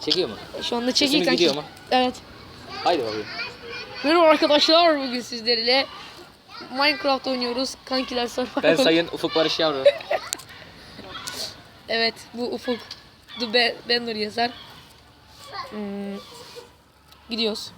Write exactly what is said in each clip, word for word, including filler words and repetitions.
Çekiyor mu? Şu anda çekiyor kanki. gidiyor mu? Evet. Haydi bakayım. Merhaba arkadaşlar, bugün sizlerle Minecraft oynuyoruz. Kankiler Survival. Ben sayın Ufuk Barış Yavru. Evet, bu Ufuk. The Banner yazar. Hmm. Gidiyoruz.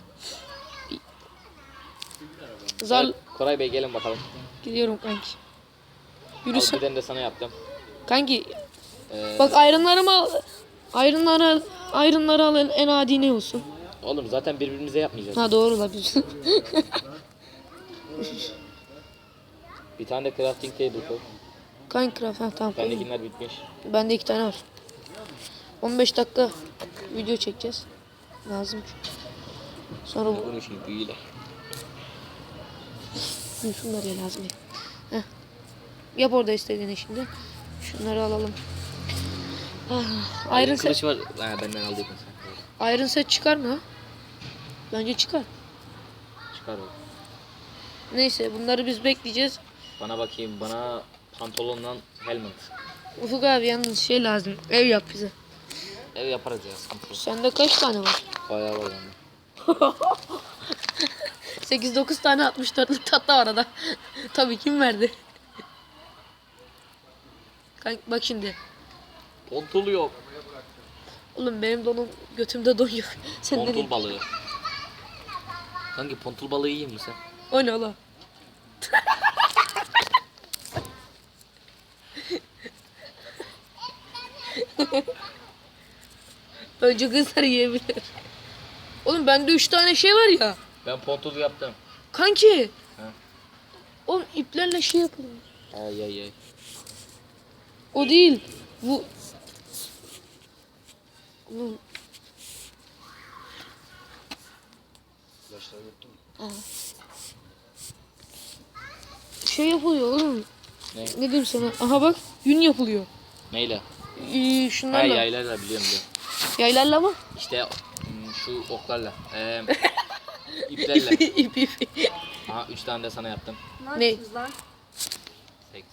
Zar Evet, Koray Bey gelin bakalım. gidiyorum kanki. Al Yürüsün. bir tane de sana yaptım. Kanki Ee, bak ayrınlarımı al. Ayrınları ayrınları al, en adi ne olsun? Oğlum zaten birbirimize yapmayacağız. Ha doğru la biz. Bir tane de crafting table koy. Kanki craft ha tamam. koydum. Bendekiler bitmiş. Bende iki tane var. on beş dakika video çekeceğiz. Lazım çünkü. Sonra bu Bunu şimdi büyüyle. Hı, şunları ya lazım. Heh. Yap orada istediğini şimdi. Şunları alalım. Ah, Iron set, Kılıç var. Ha, benden aldıydın sen. Iron set çıkar mı? Bence çıkar. Çıkar o. Neyse bunları biz bekleyeceğiz. Bana bakayım, bana pantolonla helmet. Ufuk abi yalnız şey lazım. Ev yap bize. Ev yaparız ya. Sıkıntı yok. Sende kaç tane var? Bayağı var yani. sekiz dokuz tane altmış dörtlük tatlı var arada. Tabii kim verdi? Kanka bak şimdi. Pontul yok. Oğlum benim donum götümde don yok. Sen Pontul nereye? balığı. Hangi pontul balığı yiyeyim mi sen? O ne oğlum? Önce kızlar yiyebilir. Oğlum bende üç tane şey var ya. Ben pontul yaptım. Kanki. Ha. Oğlum iplerle şey yapılıyor. Ay ay ay. O değil. Bu. Oğlum. Aa. Şey yapılıyor oğlum. Ne? Ne diyeyim sana? Aha bak yün yapılıyor. Neyle? Ee, Ha şunlarla. yaylarla biliyorum biliyorum. Yaylarla mı? İşte hmm, şu oklarla. Ee, iplerle. İp ip ip. Aha üç tane de sana yaptım. Ne? lan? Seks.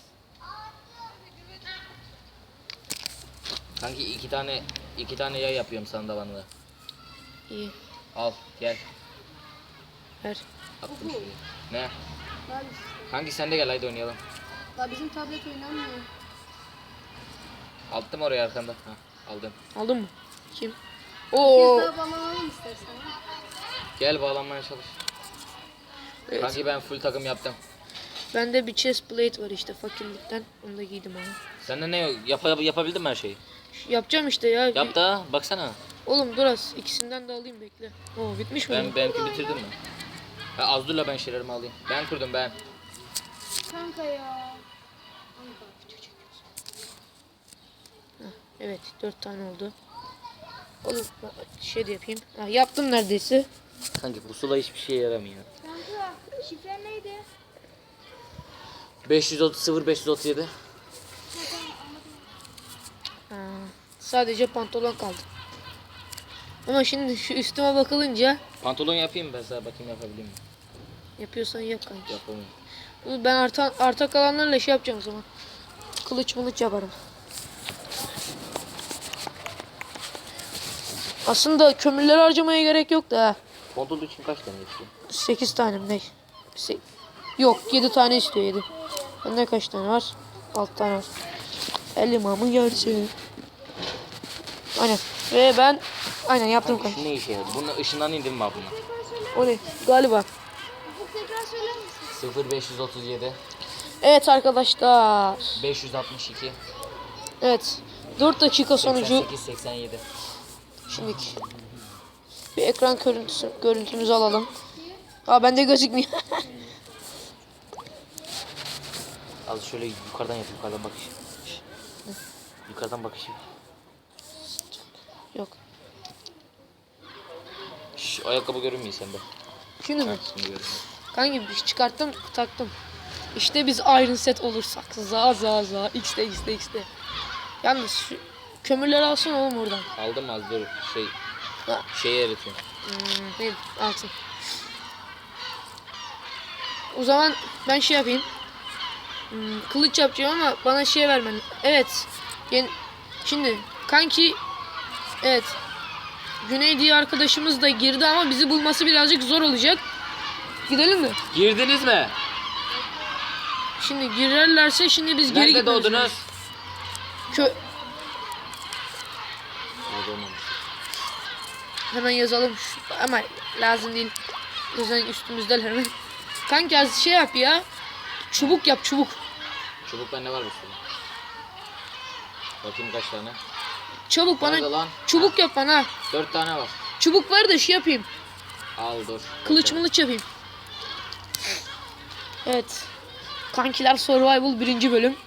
Kanki iki tane iki tane yay yapıyorum sana da bana da. İyi. Al gel. Ver. Attım şuraya. Ne? Lan, Kanki sen de gel haydi oynayalım. lan bizim tablet oynanmıyor. Attım oraya arkanda. Ha, aldım. Aldın mı? Kim? Bir Oo. kez daha bağlanalım istersen. Gel bağlanmaya çalış. Evet. Kanki ben full takım yaptım. Bende bir chest plate var işte fakirlikten. Onu da giydim ama. Sende ne yok? Yap, yapabildin mi her şeyi? Yapacağım işte ya. Yap da baksana. Oğlum dur az. İkisinden de alayım bekle. Oo bitmiş mi? Ben benimki bitirdim mi? Ha, az dur la ben şeylerimi alayım. Ben kurdum ben. Kanka ya. Evet dört tane oldu. Oğlum şey de yapayım. Ha, yaptım neredeyse. Kanki bu sula hiçbir şeye yaramıyor. Kanka şifre neydi? beş yüz otuz sıfır beş yüz otuz yedi. Ha, sadece pantolon kaldı. Ama şimdi şu üstüme bakılınca Pantolon yapayım ben sana bakayım yapabiliyor muyum? yapıyorsan yap kanki. Yapamıyorum. Ben arta, arta kalanlarla şey yapacağım o zaman. Kılıç mılıç yaparım. Aslında kömürleri harcamaya gerek yok da ha. Pantolon için kaç tane istiyor? sekiz tane mi ne? Se- Yok yedi tane istiyor yedi. Bende kaç tane var? altı tane var. El imamı görsün. Aynen. Ve ben aynen yaptım Kanki kanka. şu ne işe yaradı? Bunun ışından indim mi buna? O ne? Galiba. Bu tekrar söyler misin? sıfır beş yüz otuz yedi Evet arkadaşlar. beş yüz altmış iki Evet. dört dakika seksen sonucu sekiz seksen yedi. şimdi bir ekran görüntüsü görüntümüzü alalım. Aa bende gözükmüyor. Az şöyle yukarıdan yap, yukarıdan bakış. Şş. Yukarıdan bakışı. Yok. Şş, ayakkabı görünmüyor sende. Şimdi mi? Ha, şimdi görünüyor. Kanki bir şey çıkarttım taktım. İşte biz Iron Set olursak. Za za za. X'de X'de X'de. Yalnız şu kömürleri alsana oğlum oradan. Aldım az dur şey Ha. şeyi eritiyorum. Hmm, ne altın. O zaman ben şey yapayım. Hmm, kılıç yapacağım ama bana şey vermen. Evet. Yeni, şimdi kanki evet. Güney diye arkadaşımız da girdi ama bizi bulması birazcık zor olacak. Gidelim mi? Girdiniz mi? Şimdi girerlerse şimdi biz geri Nerede gitmemiz doğdunuz? lazım. Kö Orada olmamış. Hemen yazalım şu- ama lazım değil. Zaten üstümüzdeler hemen. Kanka az şey yap ya. Çubuk yap çubuk. Çubuk bende var bir sürü. Bakayım kaç tane. Çabuk Nerede bana lan? çubuk yap bana. Dört tane var. Çubuk var da şey yapayım. Al dur. Kılıç Bakayım. mılıç yapayım. Evet. Kankiler Survival birinci bölüm.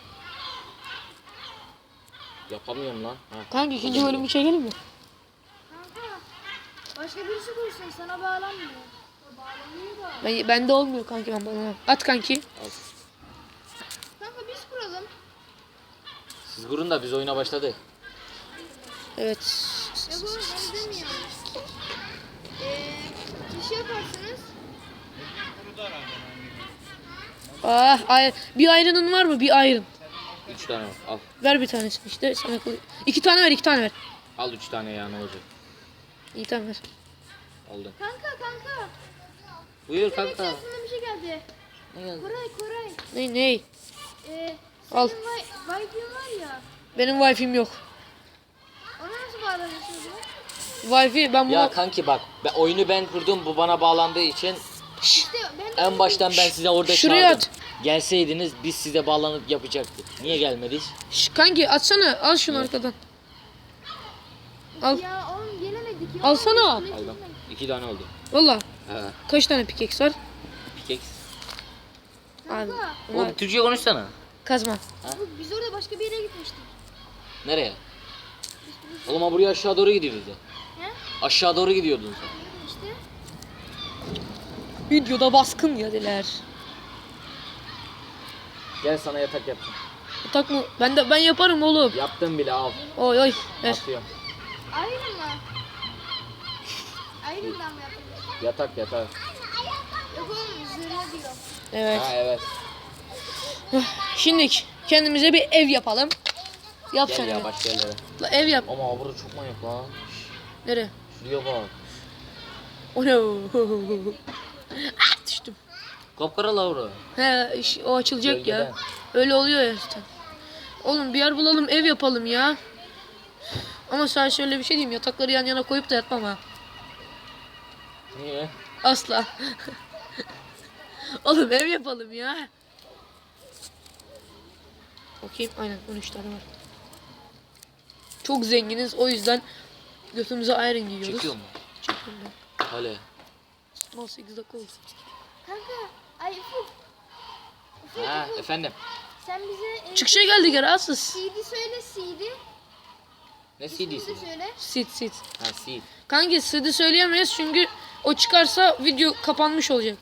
Yapamıyorum lan. Ha. Kanka ikinci bölümü çekelim mi? Kanka. Başka birisi kursun sana bağlanmıyor. Bağlanıyor da. Ben, bende olmuyor kanki ben bana. At kanki. Al. Kanka biz kuralım. Siz kurun da biz oyuna başladık. Evet. Ya bu ben demiyorum. Eee kişi yaparsınız. Ah, ay, bir ayrının var mı? Bir ayrın. Üç tane var. Al. Ver bir tanesini işte. Sana kılı- İki tane ver, iki tane ver. Al üç tane ya, ne olacak? İyi tamam ver. Aldın. Kanka kanka. Buyur Demek kanka. aklıma bir şey geldi. Ne geldi? Koray Koray. Ne ne? Eee Al. senin Wi- Wi-Fi'in var ya. Benim Wi-Fi'm yok. Ona nasıl bağlanırsınız ya? Wi-Fi ben bunu... Ya kanki bak, ben, oyunu ben kurdum, bu bana bağlandığı için İşte ben de en baştan ben size orada Şuraya çağırdım. Gelseydiniz biz size bağlanıp yapacaktık. Niye gelmediniz? Şş, kanki atsana. Al şunu arkadan. Al. Ya oğlum gelemedik ya. Alsana. Aldım. İki tane oldu. Valla. He. Kaç tane pickaxe var? Pickaxe. Abi. Kanka. Bunlar Oğlum Türkçe konuşsana. kazma. bu- Biz orada başka bir yere gitmiştik. Nereye? Oğlum ha, buraya aşağı doğru gidiyoruz ya. He? Aşağı doğru gidiyordun sen. İşte. Videoda baskın yediler. Gel sana yatak yapacağım. Yatak mı? Ben de ben yaparım oğlum. Yaptım bile, al. Oy oy. Ver. Atıyorum. Ayrı mı? Ayrı'dan mı yapıyorsun? Yatak yatak. Yok oğlum zırhlı diyor. Evet. Ha evet. Şimdi kendimize bir ev yapalım. Yap Gel sen ya evi. başka yerlere. La, ev yap. Ama burada çok manyak lan. Nereye? Şuraya bak. O ne? Ah, düştüm. Kapkara Laura. He iş- o açılacak Gölgeden. ya. Öyle oluyor ya işte. Oğlum bir yer bulalım ev yapalım ya. Ama sana şöyle bir şey diyeyim, yatakları yan yana koyup da yatmam ha. Niye? Asla. Oğlum ev yapalım ya. Bakayım aynen on üç tane var. Çok zenginiz o yüzden götümüze ayrı giyiyoruz. Çekiyor mu? Çekiyorum ben. Hale. Mal sekiz dakika oldu. Kanka. Ay Ufuk. Ufuk Ha Ufuk. efendim. Sen bize e, Çıkışa geldik ya rahatsız. C D söyle C D. Ne İsmini de C D'si? söyle. Sit sit. Ha C D. Kanki sidi söyleyemeyiz çünkü o çıkarsa video kapanmış olacak.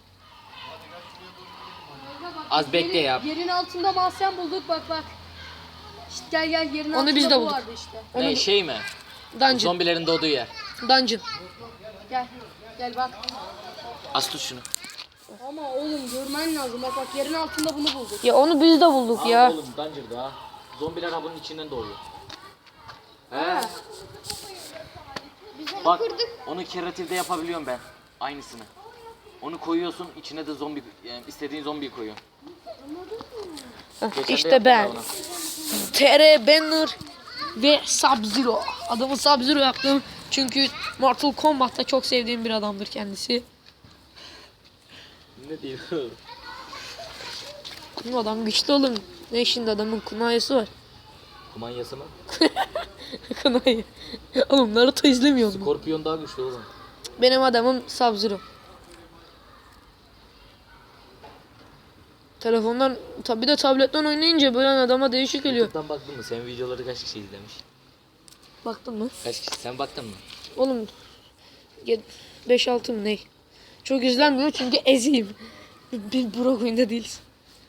Az bekle ya. Yerin altında mahzen bulduk bak bak. İşte gel gel yerin Onu altında biz de bu bulduk. vardı işte. Onu Ne şey mi? dungeon. Zombilerin doğduğu yer. Dungeon. Gel. Gel bak. Az tut şunu. Ama oğlum görmen lazım. Bak bak yerin altında bunu bulduk. Ya onu biz de bulduk Aa, ya. oğlum Dungeon'da ha. Zombiler ha bunun içinden doğuyor. He. Biz onu Bak kırdık. onu keratifde yapabiliyorum ben. Aynısını. Onu koyuyorsun, içine de zombi, yani istediğin zombiyi koyuyorsun. Heh, Geçen de İşte yaptım ben. ona. T R Banner ve Sub-Zero. Adamı Sub-Zero yaptım. Çünkü Mortal Kombat'ta çok sevdiğim bir adamdır kendisi. Ne diyor? Bu adam güçlü oğlum. Ne şimdi adamın kunayesi var. Kumanyası mı? Kunayı. Oğlum Naruto izlemiyor mu? Skorpiyon daha güçlü oğlum. Benim adamım Sub-Zero. Telefondan tabi de tabletten oynayınca böyle adama değişik geliyor. YouTube'dan baktın mı? Sen videoları kaç kişi izlemiş? Baktın mı? Kaç kişi? Sen baktın mı? Oğlum beş altı mı ne? Çok izlenmiyor çünkü eziyim. Bir Burak oyunda değiliz.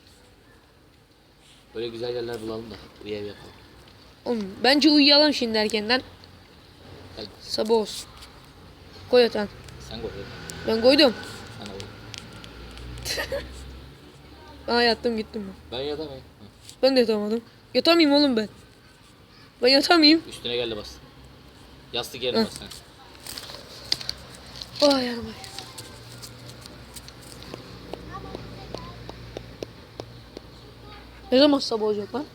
Böyle güzel yerler bulalım da bir ev yapalım. Oğlum bence uyuyalım şimdi erkenden. Hadi Sabah olsun. Koy yatağın. sen koy. Ben koydum. Sana koy. Aa yattım gittim ben. Ben yatamayayım. Hı. Ben de yatamadım. Yatamayayım oğlum ben. Ben yatamayayım. Üstüne geldi bas. Yastık yerine bas sen. Ay yarım. Ne zaman sabah olacak lan?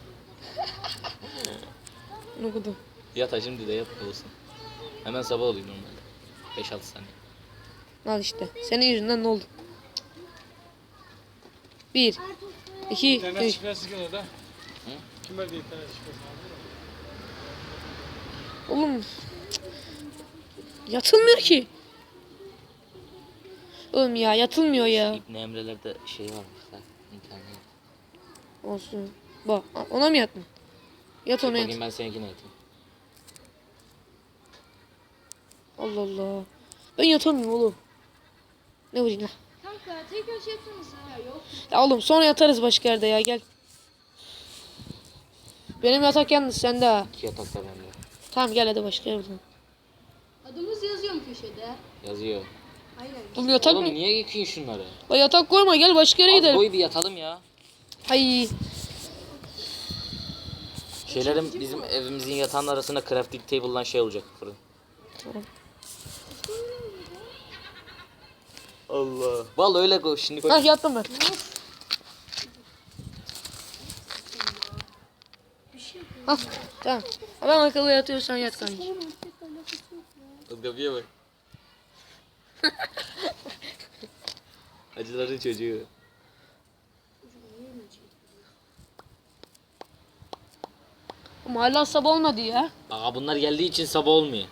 Ne kadar? Yat ha, şimdi de yat olsun. Hemen sabah oluyor normalde. beş altı saniye. Al işte. Senin yüzünden ne oldu? Bir, iki, İnternet üç. şifresi kim orada? Kim verdi internet şifresini? Oğlum. Yatılmıyor ki. Oğlum ya yatılmıyor ya. İbni Emre'lerde şey varmış da. İnternet. Olsun. Bak ona mı yattın? Yat ona yat. Bakayım ben seninkine yatayım. Allah Allah. Ben yatamıyorum oğlum. Ne vurayım lan? Kanka tekrar şey yapsanıza. Ya yok. Ya oğlum sonra yatarız başka yerde ya gel. Benim yatak yalnız sende ha. İki yatak da bende. Tamam gel hadi başka yerde. Adımız yazıyor mu köşede? Yazıyor. Aynen. Oğlum yatak Oğlum mı? niye yıkıyorsun şunları? La yatak koyma gel başka yere Az gidelim. boy bir yatalım ya. Ay. Şeylerin bizim evimizin yatağının arasında crafting table'dan şey olacak fırın. Tamam. Allah. Vallahi öyle koy şimdi koy. Hah yattım ben. Hah tamam. Ben akıllı yatıyorsan yat kanki. Kapıya bak. Acıların çocuğu. Ama hala sabah olmadı ya. Aa bunlar geldiği için sabah olmuyor.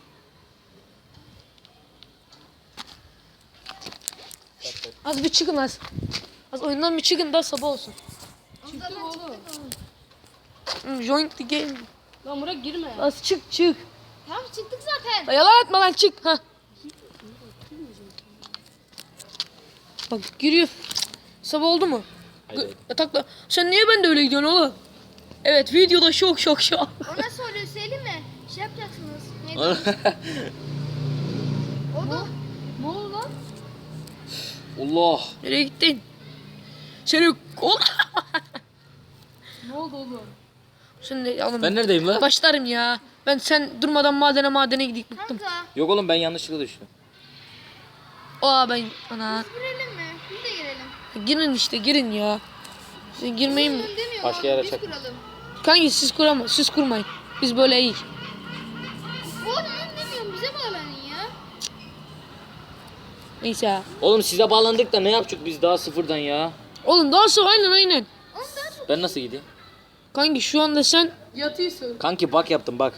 Az bir çıkın az. Az oyundan bir çıkın da sabah olsun. Çıktık oğlum. Hmm, Join the game. Lan Burak girme. Az çık çık. Tamam çıktık zaten. La yalan atma lan çık. Ha. Bak giriyor. Sabah oldu mu? Haydi, haydi. Yatakla. Sen niye ben de öyle gidiyorsun oğlum? Evet videoda şok şok şok. O nasıl oluyor söyleyeyim mi? Şey yapacaksınız. Neydi? O da. Ne oldu lan? Allah. Nereye gittin? Seni kol. Ne oldu oğlum? Sen de oğlum. Ben neredeyim lan? Başlarım ya. Ben sen durmadan madene madene gidip bıktım. Kanka. Yok oğlum ben yanlışlıkla düştüm. Aa ben ana. Girelim mi? Biz de girelim. Girin işte girin ya. Siz girmeyin mi? Kuralım demiyor Başka abi, yere biz çek. kuralım. Kanki siz kurama, siz kurmayın. Biz böyle iyi. Oğlum ben demiyorum bize bağlanın ya. Neyse ya. Oğlum size bağlandık da ne yapacak biz daha sıfırdan ya? Oğlum daha sonra aynen aynen. Oğlum daha çok. Ben nasıl gideyim? Kanki şu anda sen Yatıyorsun. Kanki bak yaptım bak.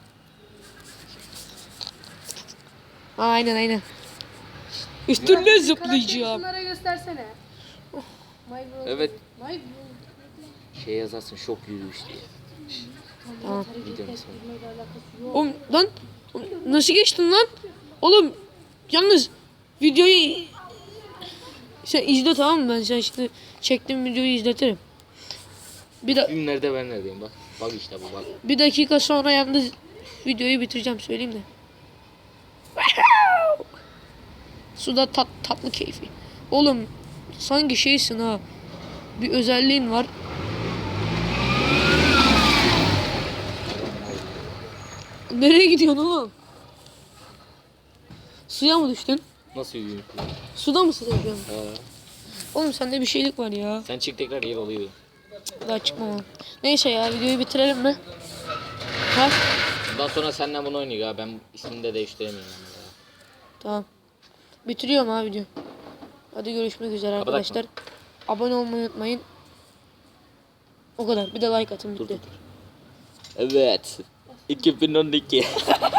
aynen aynen. Üstüne Karakteri zıplayacağım. şunlara göstersene. My bro. Evet. My bro. Şey yazarsın şok yürüyüş diye. Tamam. Videonun ismi. Bilmeyle alakası yok. Oğlum lan oğlum, nasıl geçtin lan? Oğlum yalnız videoyu sen izle tamam mı? Ben sen şimdi çektiğim videoyu izletirim. Bir da Film nerede ben neredeyim bak. Bak işte bu bak. bir dakika sonra yalnız videoyu bitireceğim söyleyeyim de. Suda tat, tatlı keyfi. Oğlum sanki şeysin ha. Bir özelliğin var. Nereye gidiyorsun oğlum? Suya mı düştün? Nasıl yürüyüş? Suda mısın şu an? Ha. Oğlum sende bir şeylik var ya. Sen çık tekrar yer oluyor. Daha çıkmam. Neyse ya videoyu bitirelim mi? Ha? Bundan sonra seninle bunu oynayacak ha. Ben ismini de değiştiremiyorum. ama ya. Tamam. Bitiriyorum ha video. Hadi görüşmek üzere Kapatak mı? arkadaşlar. Abone olmayı unutmayın. O kadar. Bir de like atın. Dur bitti. dur dur. Evet. iki bin on iki.